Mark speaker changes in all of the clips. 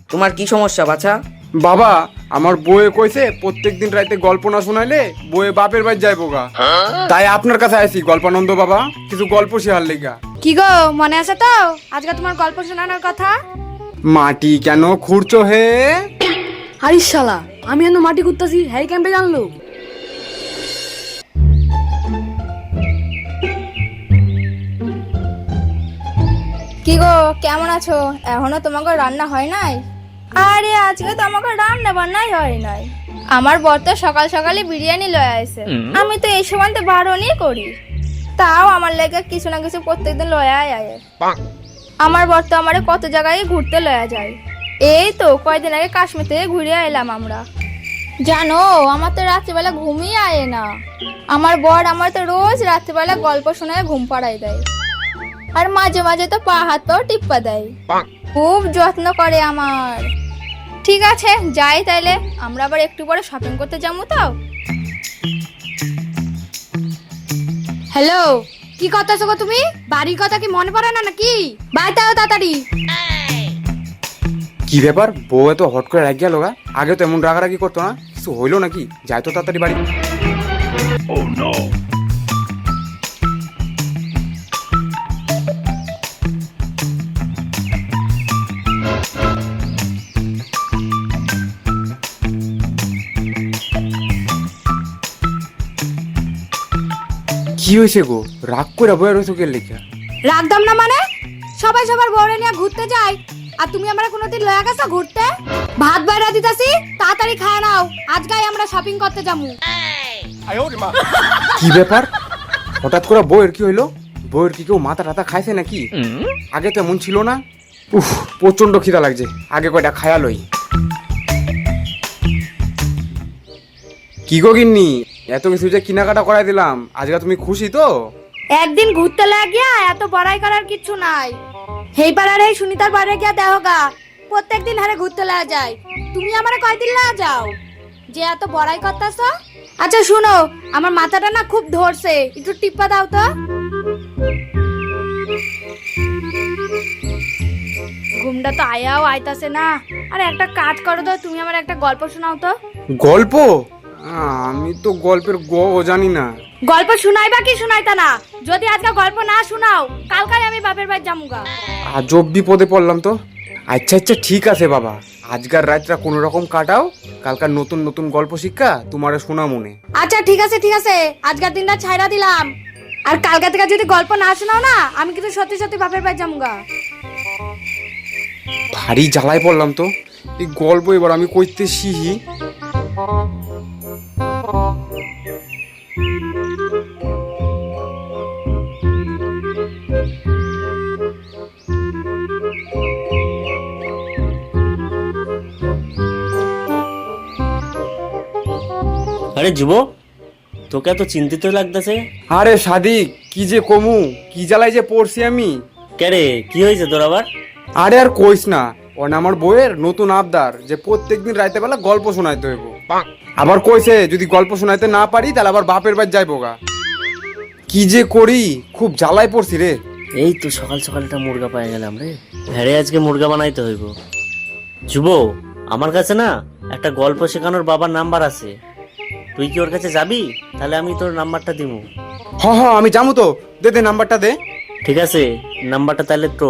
Speaker 1: তোমার কি সমস্যা বাছা?
Speaker 2: বাবা, আমার বউয়ে কইছে প্রত্যেকদিন রাতে গল্প না শোনাইলে বউয়ে বাপের বাড়ি যাইবো গা। তাই আপনার কাছে আইছি গল্পানন্দ বাবা, কিছু গল্প শেয়ার লেগা।
Speaker 3: কি গো, মনে আছে তো আজকে তোমার গল্প শোনানোর কথা?
Speaker 2: মাটি কেন খুঁড়ছো হে?
Speaker 4: আরে শালা, আমি এত মাটি খুঁড়তাছি, হ্যারি ক্যাম্পে জানলো।
Speaker 5: কি গো, কেমন আছো? এখনো তোমাকে রান্না হয় নাই? আরে আজকে তো আমাকে রান্না বান্নাই হয় নাই। আমার বর তো সকাল সকালে বিরিয়ানি লয়ে আইছে। আমি তো এই সময় তো বারণই করি, তাও আমার লেগে কিছু না কিছু প্রত্যেকদিন লয়ে আয়। আমার বর তো আমারে কত জায়গায় ঘুরতে লয়ে যায়। এই তো কয়দিন আগে কাশ্মীর থেকে ঘুরে এলাম আমরা। জানো, আমার তো রাত্রিবেলা ঘুমই আয় না। আমার বর আমার তো রোজ রাত্রিবেলা গল্প শোনায় ঘুম পাড়াই দেয়, আর মাঝে মাঝে তো পা হাত পাও টিপ্পা দেয়। খুব যত্ন করে আমার। ঠিক আছে, যাই তাইলে। আমরা আবার একটু পরে শপিং করতে যাবো তো।
Speaker 3: হ্যালো, কি করতেছো গো তুমি? বাড়ির কথা কি মনে পড়ে না নাকি? বাইতে আও তাড়াতাড়ি।
Speaker 2: কি ব্যাপার, বউ এত হট করে রাগ গেল গা? আগে তো এমন রাগারাগি করতো না, কিছু হইলো নাকি? যাই তো তাড়াতাড়ি বাড়ি। কি হয়েছে গো, রাগ করে বয়ে রয়েছো কে লেখা?
Speaker 3: রাখদাম না মানে? সবাই সবার বউরে নিয়ে ঘুরতে যায়, আর তুমি আমরা কোনোদিন লয়া গেছো ঘুরতে? ভাত বাইরা দিতাছি, তাড়াতাড়ি খায় নাও। আজকাই আমরা শপিং করতে যাবো।
Speaker 2: কি ব্যাপার, হঠাৎ করে বউয়ের কি হইলো? বউয়ের কি কেউ মাথা টাথা খাইছে নাকি? আগে তো এমন ছিল না। উফ, প্রচন্ড খিদা লাগছে, আগে কয়টা খায়া লই। কি গো গিন্নি, এত কিছু যে কেনাকাটা করাই দিলাম, আজকে তুমি খুশি তো?
Speaker 3: একদিন ঘুরতে লাগিয়া এত বড়াই করার কিচ্ছু নাই। হেই পাড়ার এই সুনিতার বাড়ি গিয়া দেহগা, প্রত্যেকদিন হারে ঘুরতে লাগা যায়। তুমি আমারে কয়দিন লাগা যাও যে এত বড়াই করতেছ? আচ্ছা শুনো, আমার মাথাটা না খুব ধরছে, একটু টিপ্পা দাও তো। ঘুমটা তো আয়াও আইতাছে না। আরে একটা কাজ করো তো, তুমি আমার একটা গল্প শোনাও তো।
Speaker 2: গল্প? আমি তো গল্পের গ জানি না।
Speaker 3: গল্প শুনাইবা কি শুনাইতা না? যদি আজকে গল্প না শুনাও, কালকাই আমি বাপের বাড়ি যামুগা।
Speaker 2: আজব বিপদে পড়লাম তো। আচ্ছা আচ্ছা ঠিক আছে বাবা, আজকার রাতটা কোনো রকম কাটাও, কালকার নতুন নতুন গল্প শিক্ষা তোমারে শোনা মনে।
Speaker 3: আচ্ছা ঠিক আছে ঠিক আছে, আজকের দিনটা ছাইরা দিলাম। আর কালকে থেকে যদি গল্প না শোনাও না, আমি কিন্তু সত্যি সত্যি বাপের বাড়ি যামুগা।
Speaker 2: ভারী জ্বালায় পড়লাম তো, এই গল্প এবার আমি কইতে শিহি।
Speaker 6: আরে যুব, তোকে এত চিন্তিত লাগতেছে?
Speaker 2: আরে সাদিক, কি যে কমু, কি জ্বালায় যে পড়ছি আমি।
Speaker 6: কেরে, কি হয়েছে তোর আবার?
Speaker 2: আরে আর কইস না, ওর আমার বইয়ের নতুন আবদার যে প্রত্যেকদিন রাতে বেলা গল্প শোনাইতে হইব। আবার কইছে যদি গল্প শোনাইতে না পারি তাহলে আবার বাপের বাড়ি যাইবো গা। কি যে করি, খুব জ্বালায় পড়ছি রে।
Speaker 6: এই তো সকাল সকালটা মুরগা পাই গেলাম রে। হ্যাঁ রে, আজকে মুরগা বানাইতে হইব। যুব, আমার কাছে না একটা গল্প শেখানোর বাবার নাম্বার আছে, তুই কি ওর কাছে যাবি? তাহলে আমি তোর নাম্বারটা দিব।
Speaker 2: হ্যাঁ আমি যাবো তো, দে দে নাম্বারটা দে।
Speaker 6: ঠিক আছে, নাম্বারটা তাহলে তো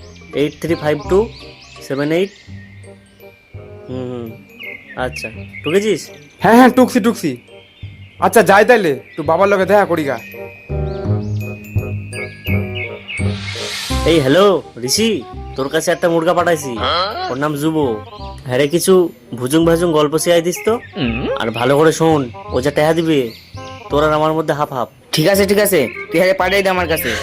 Speaker 6: 835278। আচ্ছা, ঢুকেছিস?
Speaker 2: হ্যাঁ টুকছি টুকছি। আচ্ছা যাই তাইলে, তুই বাবার লগে দেখা করি গা।
Speaker 6: এই হ্যালো ঋষি, তোর কাছে একটা মুরগা পাঠাইছি, ওর নাম যুব। হ্যাঁ রে, কিছু ভুজুং ভাজুং গল্প শিখাই দিস তো, আর ভালো করে শোন। ও যা টাকা দিবে, তোর আর আমার মধ্যে হাফ হাফ।
Speaker 1: ঠিক আছে তুই হারে পাঠাই দে আমার কাছে।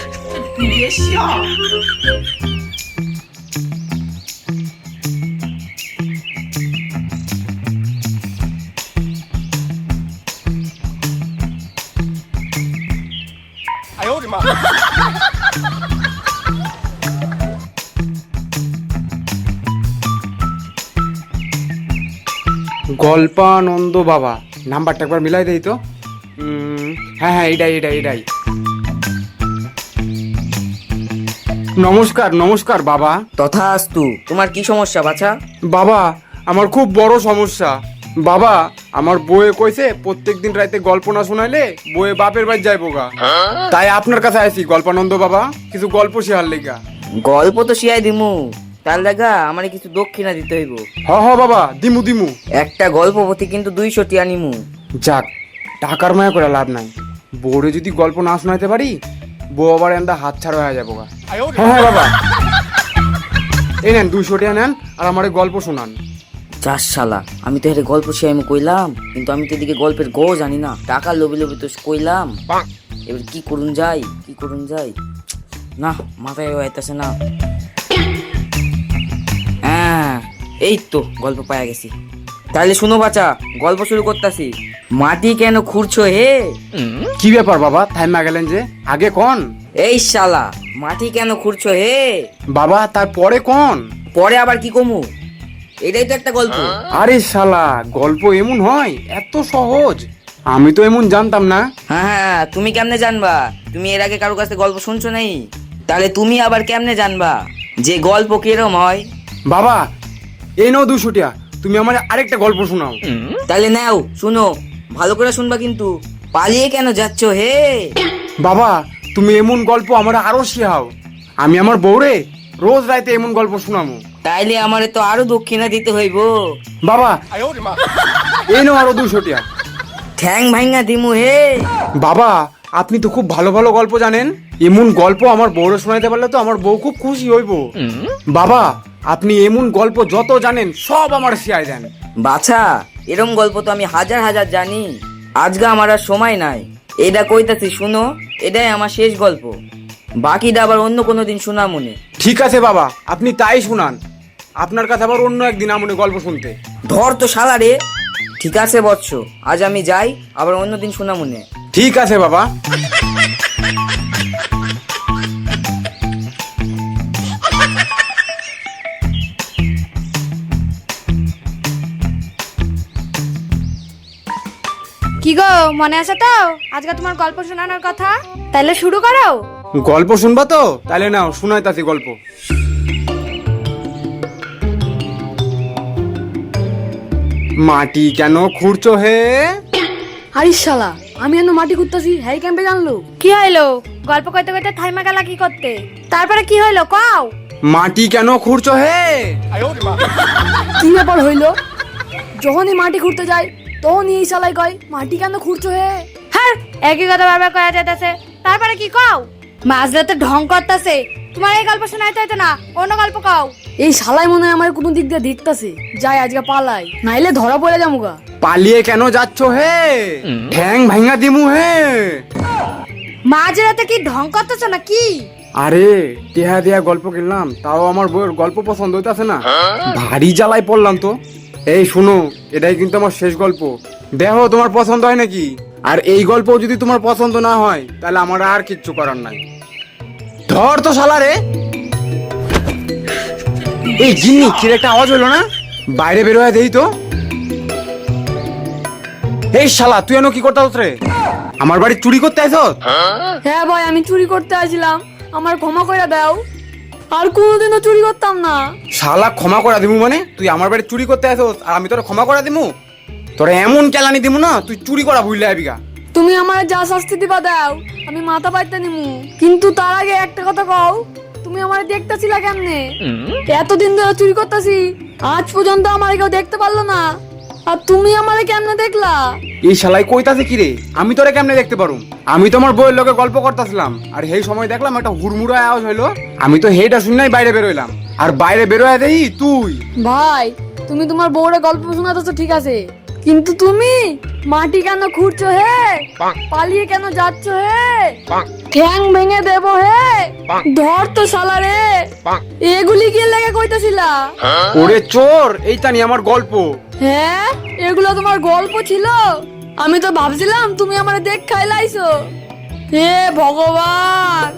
Speaker 2: গল্পানন্দ বাবা, নাম্বারটা একবার মিলাই দেই তো। হ্যাঁ এটাই। নমস্কার নমস্কার বাবা।
Speaker 1: তথাস্তু। তোমার কি সমস্যা বাছা?
Speaker 2: বাবা আমার খুব বড় সমস্যা। বাবা আমার বউয়ে কইছে প্রত্যেকদিন রাতে গল্প না শোনাইলে বউয়ে বাপের বাড়ি যাইবো গা। তাই আপনার কাছে আইছি গল্পানন্দ বাবা, কিছু গল্প শেয়ার লেগা।
Speaker 1: গল্প তো শিয়াই দিমু, তার লাগা আমার কিছু দক্ষিণা দিতে হইব।
Speaker 2: হ বাবা, দিমু দিমু।
Speaker 1: একটা গল্প প্রতি কিন্তু 200 টিয়া নিমু।
Speaker 2: যাক, টাকার মায়া করে লাভ নাই। বউরে যদি গল্প না শোনাইতে পারি, বউ আবার এন্দা হাত ছাড়া হয়ে যাবো গা। হ্যাঁ বাবা, এই নেন 200 টাকা নেন আর আমারে গল্প শোনান।
Speaker 1: চার শালা, আমি তো হেরে গল্প শিয়াইমু কইলাম, কিন্তু আমি তো এদিকে গল্পের গো জানি না। টাকা লোভে লোভে তো কইলাম, এবার কি করুন যাই না, মাথায় আইতাছে না। হ্যাঁ, এই তো গল্প পায়া গেছি। তাহলে শুনো বাচ্চা, গল্প শুরু করতাছি। মাটি কেন খুঁড়ছো হে?
Speaker 2: কি ব্যাপার বাবা, থাইমা গেলেন যে? আগে কোন।
Speaker 1: এই শালা, মাটি কেন খুঁড়ছো হে?
Speaker 2: বাবা তারপরে কোন।
Speaker 1: পরে আবার কি কমু? এটাই তো একটা গল্প।
Speaker 2: আরে শালা, গল্প এমন হয়? এত সহজ? আমি তো এমন জানতাম না।
Speaker 1: হ্যাঁ, তুমি কেমনে জানবা? তুমি এর আগে কারো কাছে গল্প শুনছো নাই? তাহলে তুমি আবার কেমনে জানবা যে গল্প কিরম হয়?
Speaker 2: বাবা এই নাও 200 টাকা, তুমি আমার আরেকটা গল্প শোনাও।
Speaker 1: তাহলে নাও, শুনো, ভালো করে শুনবা কিন্তু। পালিয়ে কেন যাচ্ছ হে?
Speaker 2: বাবা তুমি এমন গল্প আমার আরো শেখাও, আমি আমার বউরে রোজ রাতে এমন গল্প শোনামু।
Speaker 1: তাইলে আমারে তো আরো দক্ষিণা দিতে হইব।
Speaker 2: বাবা এই নাও আরো 200 টাকা।
Speaker 1: ঠ্যাং ভাঙা দিমু হে।
Speaker 2: বাবা আপনি তো খুব ভালো ভালো গল্প জানেন, এমন গল্প আমার বউরে শোনাইতে পারলে তো আমার বউ খুব খুশি হইব। বাবা আপনি এমন গল্প যত জানেন সব আমার শিয়াই দেন।
Speaker 1: বাছা, এরম গল্প তো আমি হাজার হাজার জানি। আজকে আমার আর সময় নাই। এটা কইতাছি শুনো, এটাই আমার শেষ গল্প। বাকিটা আবার অন্য কোনো দিন শোনা মনে।
Speaker 2: ঠিক আছে বাবা, আপনি তাই শুনান। আপনার কাছে আবার অন্য একদিন আমনে গল্প শুনতে।
Speaker 1: ধর তো শালা রে। ঠিক আছে বৎস, আজ আমি যাই, আবার অন্যদিন শোনা মনে।
Speaker 2: ঠিক আছে বাবা।
Speaker 3: কি গো, মনে আছে তো আজকে তোমার গল্প শোনানোর কথা? তাহলে শুরু করো।
Speaker 2: গল্প শুনবা তো? তাহলে নাও শুনাইতাছি গল্প। মাটি কেন খুঁড়ছো হে?
Speaker 4: আরে শালা, আমি এখনো মাটি খুঁড়তাছি, হ্যাঁ ক্যাম্পে জানলো?
Speaker 3: কি হইলো? গল্প কইতে কইতে থাইমা গেলা কি করতে? তারপরে কি হইলো কও?
Speaker 2: মাটি কেন খুঁড়ছো হে?
Speaker 4: কি ব্যাপার হইলো? যখনই মাটি খুঁড়তে যায় তখনই এই শালাই কয় মাটি কেন খুঁড়ছো হে?
Speaker 3: হ্যাঁ, একই কথা বারবার কয়া যাইতাছে। তারপরে কি কও? মাঝরাতে ঢং করতাছে। তোমার এই গল্প শোনাইতে হইতো না, অন্য গল্প কও।
Speaker 4: এই শালাই মনে হয় আমার কোনো দিক দিয়ে দেখতাছে। যাই আজকে পালাই, নাইলে ধরা পড়ে যামুগা।
Speaker 2: পালিয়ে কেন যাচ্ছ হে? ঠ্যাং ভাঙা দিমু হে।
Speaker 3: মাঝরাতে কি ঢং করতেছো না কি?
Speaker 2: আরে টেহা দেয়া গল্প কিনলাম, তাও আমার বউয়ের গল্প পছন্দ হইতাছে না। ভারী জ্বালাই পড়লাম তো। এই শুনো, এটাই কিন্তু আমার শেষ গল্প। দেখো তোমার পছন্দ হয় নাকি। আর এই গল্প যদি তোমার পছন্দ না হয় তাহলে আমার আর কিচ্ছু করার নাই। ধর তো শালা রে। এই জিন্নি কি একটা আওয়াজ হলো না? বাইরে বের হয়ে দেই তো। এই শালা তুই এনো কি করতাস রে? আমার বাড়ি চুরি করতে আইছস?
Speaker 4: হ্যাঁ ভাই, আমি চুরি করতে আসছিলাম, আমার ক্ষমা করে দাও। আর কোনোদিনও চুরি করতাম না।
Speaker 2: শালা ক্ষমা করে দিমু মানে? তুই আমার বাড়ি চুরি করতে আসছস আর আমি তোরা ক্ষমা করে দিমু? তোরা এমন কেলানি দিমু না, তুই চুরি করা ভুললে আবিগা।
Speaker 4: তুমি আমার যা শাস্তি দিবা দাও, আমি মাথা পাইতে নিমু। কিন্তু তার আগে একটা কথা কও, তুমি আমার দেখতেছিলা কেমনে? এতদিন ধরে চুরি করতেছি, আজ পর্যন্ত আমার কেউ দেখতে পারলো না, আর তুমি আমারে কেমনে দেখলা?
Speaker 2: এই শালাই কইতাছে কি রে? আমি তোরে কেমনে দেখতে পারুম? আমি তোমার বউয়ের লগে গল্প করতেছিলাম, আর সেই সময় দেখলাম একটা হুড়মুড়া আওয়াজ হইলো। আমি তো হেইটা শুননাই বাইরে বের হইলাম, আর বাইরে বের হয়ে দেই তুই।
Speaker 4: ভাই তুমি তোমার বউরে গল্প শোনাতেছো ঠিক আছে, কিন্তু তুমি মাটি কেন খুঁড়ছো হে? পালিয়ে কেন যাচ্ছ হে? ঠ্যাং ভেঙে দেবো হে। ধর তো শালা রে। এগুলি কি লেগে কইতাছিলা?
Speaker 2: ওরে চোর, এইটা নিয়ে আমার গল্প।
Speaker 4: হ্যাঁ, এগুলো তোমার গল্প ছিল? আমি তো ভাবছিলাম তুমি আমারে দেখ খাইলাইছো। হে ভগবান।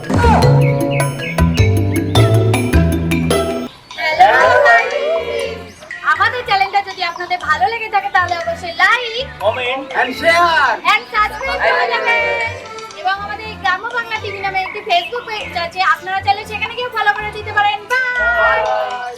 Speaker 3: আমাদের চ্যানেলটা যদি আপনাদের ভালো লেগে থাকে তাহলে অবশ্যই like,
Speaker 2: comment and share
Speaker 3: and subscribe করে যাবেন। এবং আমাদের গ্রাম্য বাংলা টিভি নামে একটি ফেসবুক পেজ আছে, আপনারা চাইলে সেখানে গিয়ে ফলো করে দিতে পারেন। বাই।